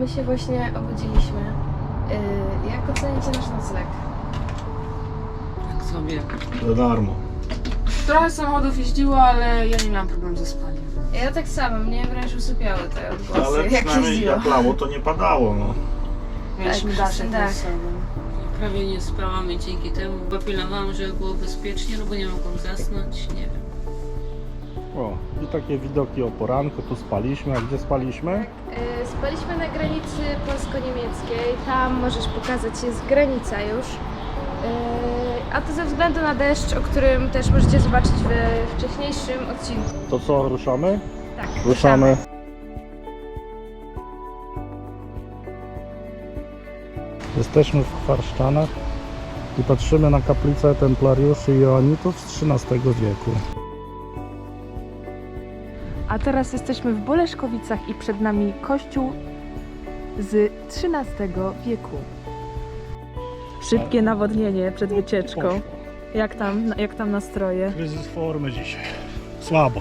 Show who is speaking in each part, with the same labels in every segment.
Speaker 1: My się właśnie obudziliśmy. Jak ocenicie nasz nocleg?
Speaker 2: Tak sobie.
Speaker 3: Za darmo.
Speaker 2: Trochę samochodów jeździło, ale ja nie miałam problemu ze spaniem.
Speaker 1: Ja tak samo, mnie wręcz usypiały te odgłosy,
Speaker 3: Ale
Speaker 1: jak
Speaker 3: przynajmniej
Speaker 1: jeździło.
Speaker 3: jak lało, to nie padało, no.
Speaker 2: Mieliśmy
Speaker 1: Tak,
Speaker 2: daszek
Speaker 1: tak.
Speaker 2: nad sobą. Prawie nie spałam i dzięki temu popilnowałam, żeby było bezpiecznie, no bo nie mogłam zasnąć, nie wiem.
Speaker 3: O, i takie widoki o poranku, tu spaliśmy, a gdzie spaliśmy?
Speaker 1: Spaliśmy na granicy polsko-niemieckiej, tam możesz pokazać, jest granica już. A to ze względu na deszcz, o którym też możecie zobaczyć we wcześniejszym odcinku.
Speaker 3: To co, ruszamy?
Speaker 1: Tak,
Speaker 3: Ruszamy. Jesteśmy w Chwarszczanach i patrzymy na kaplicę templariuszy i joanitów z XIII wieku.
Speaker 4: A teraz jesteśmy w Boleszkowicach i przed nami kościół z XIII wieku. Szybkie nawodnienie przed wycieczką. Jak tam nastroje?
Speaker 3: Kryzys formy dzisiaj. Słabo.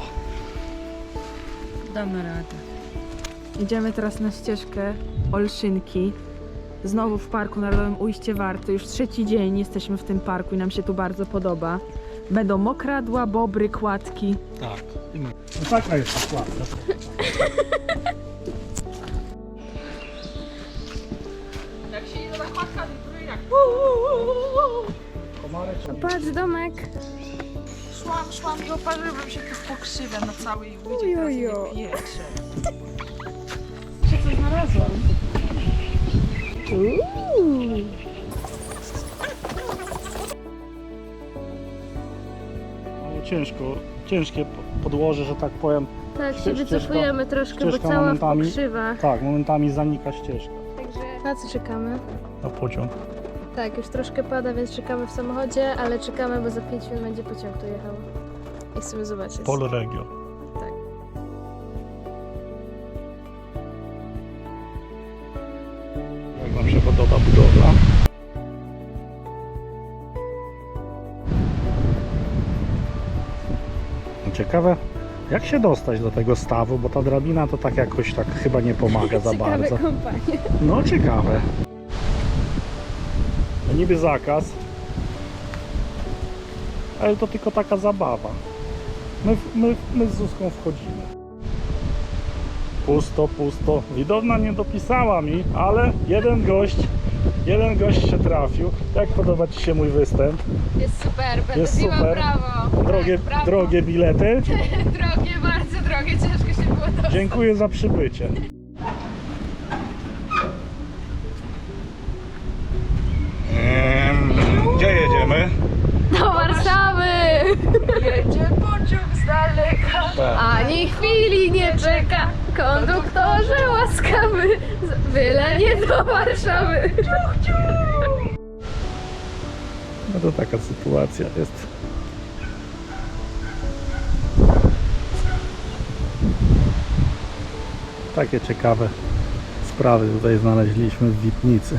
Speaker 2: Damy radę.
Speaker 4: Idziemy teraz na ścieżkę Olszynki. Znowu w Parku Narodowym Ujście Warty. Już trzeci dzień jesteśmy w tym parku i nam się tu bardzo podoba. Będą mokradła, bobry, kładki.
Speaker 3: Tak. No taka jest ta kładka.
Speaker 2: Jak się idzie na kładka, to jak...
Speaker 1: Patrz, domek.
Speaker 4: Szłam i oparzyłam się tu pokrzywia na całej łydzie.
Speaker 1: Ojojo.
Speaker 4: Pietrze. Czy coś znalazłam?
Speaker 3: Ciężkie podłoże, że tak powiem.
Speaker 1: Tak, się
Speaker 3: Ścieżka-
Speaker 1: wycofujemy troszkę, bo
Speaker 3: ścieżka
Speaker 1: cała
Speaker 3: momentami-
Speaker 1: pokrzywa.
Speaker 3: Tak, momentami zanika ścieżka
Speaker 1: Także na co czekamy?
Speaker 3: na pociąg.
Speaker 1: Tak, już troszkę pada, więc czekamy w samochodzie, ale czekamy, bo za 5 minut będzie pociąg tu jechał. I chcemy zobaczyć.
Speaker 3: Polregio.
Speaker 1: Tak.
Speaker 3: Jak wam się podoba budowla? Ciekawe, jak się dostać do tego stawu, bo ta drabina to tak jakoś tak chyba nie pomaga za
Speaker 1: Ciekawe
Speaker 3: bardzo.
Speaker 1: kompanie.
Speaker 3: No ciekawe. No niby zakaz, ale to tylko taka zabawa. My z Zuzką wchodzimy. Pusto, pusto. Widowna nie dopisała mi, ale jeden gość się trafił. Jak podoba ci się mój występ?
Speaker 1: Jest super, będę
Speaker 3: Jest
Speaker 1: biła
Speaker 3: super.
Speaker 1: brawo.
Speaker 3: Drogie,
Speaker 1: Tak, brawo.
Speaker 3: drogie bilety.
Speaker 1: Drogie, bardzo drogie, ciężko się było dostać.
Speaker 3: Dziękuję za przybycie. Gdzie jedziemy?
Speaker 1: Do Warszawy!
Speaker 4: Jedzie pociąg z daleka.
Speaker 1: Ani chwili nie czeka, konduktorze łaskawy, byle nie do Warszawy.
Speaker 3: No to taka sytuacja jest. Takie ciekawe sprawy tutaj znaleźliśmy w Witnicy.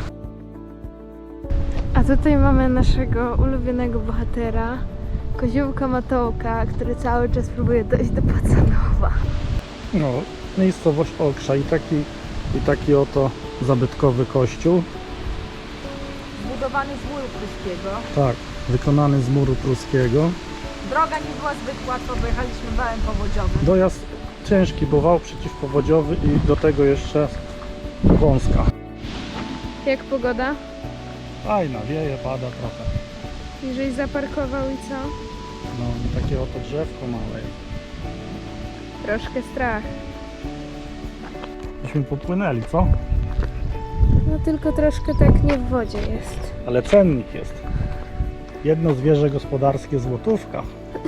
Speaker 1: A tutaj mamy naszego ulubionego bohatera, koziołka Matołka, który cały czas próbuje dojść do Pacanowa.
Speaker 3: No, miejscowość Okrza i taki oto zabytkowy kościół.
Speaker 4: Zbudowany z muru pruskiego.
Speaker 3: Tak, wykonany z muru pruskiego.
Speaker 4: Droga nie była zbyt łatwa, bo jechaliśmy wałem powodziowym.
Speaker 3: Dojazd ciężki, bo wał przeciwpowodziowy i do tego jeszcze wąska.
Speaker 1: Jak pogoda?
Speaker 3: Fajna, wieje, pada trochę.
Speaker 1: Jeżeli zaparkował i co?
Speaker 3: No, takie oto drzewko małe.
Speaker 1: Troszkę strach.
Speaker 3: Myśmy popłynęli, co?
Speaker 1: No tylko troszkę tak nie w wodzie jest.
Speaker 3: Ale cennik jest. Jedno zwierzę gospodarskie złotówka.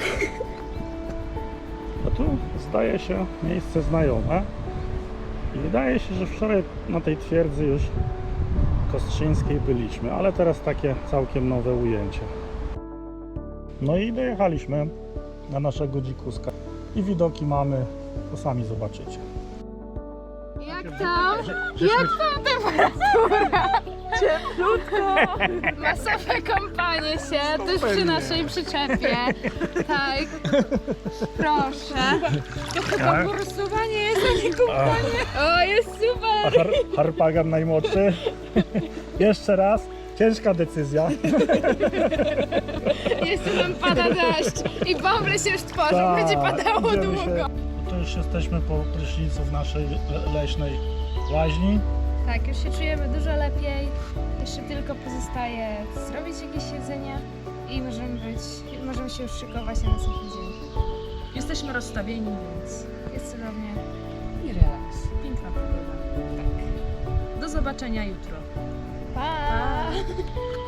Speaker 3: A tu zdaje się miejsce znajome. I wydaje się, że wczoraj na tej twierdzy już kostrzyńskiej byliśmy, ale teraz takie całkiem nowe ujęcie. No i dojechaliśmy na naszego dzikuska. I widoki mamy, to sami zobaczycie.
Speaker 1: Jak tam?
Speaker 3: Jak
Speaker 1: tam temperatura?
Speaker 4: Cieplutko!
Speaker 1: Masowe kąpanie się, też przy naszej przyczepie. Tak. Proszę.
Speaker 4: To chyba forsowanie jest
Speaker 1: O, jest super!
Speaker 3: A Harpagan najmłodszy. Jeszcze raz. Ciężka decyzja.
Speaker 1: Jeszcze nam pada deszcz i bąble się już tworzą,
Speaker 3: Tak,
Speaker 1: będzie padało
Speaker 3: idziemy
Speaker 1: długo.
Speaker 3: się. To już jesteśmy po prysznicu w naszej leśnej łaźni.
Speaker 1: Tak, już się czujemy dużo lepiej. Jeszcze tylko pozostaje zrobić jakieś jedzenie i możemy się już szykować na następny dzień.
Speaker 4: Jesteśmy rozstawieni, więc
Speaker 1: Jest cudownie.
Speaker 4: i relaks. Piękna pogoda. Tak. Do zobaczenia jutro.
Speaker 1: Pa!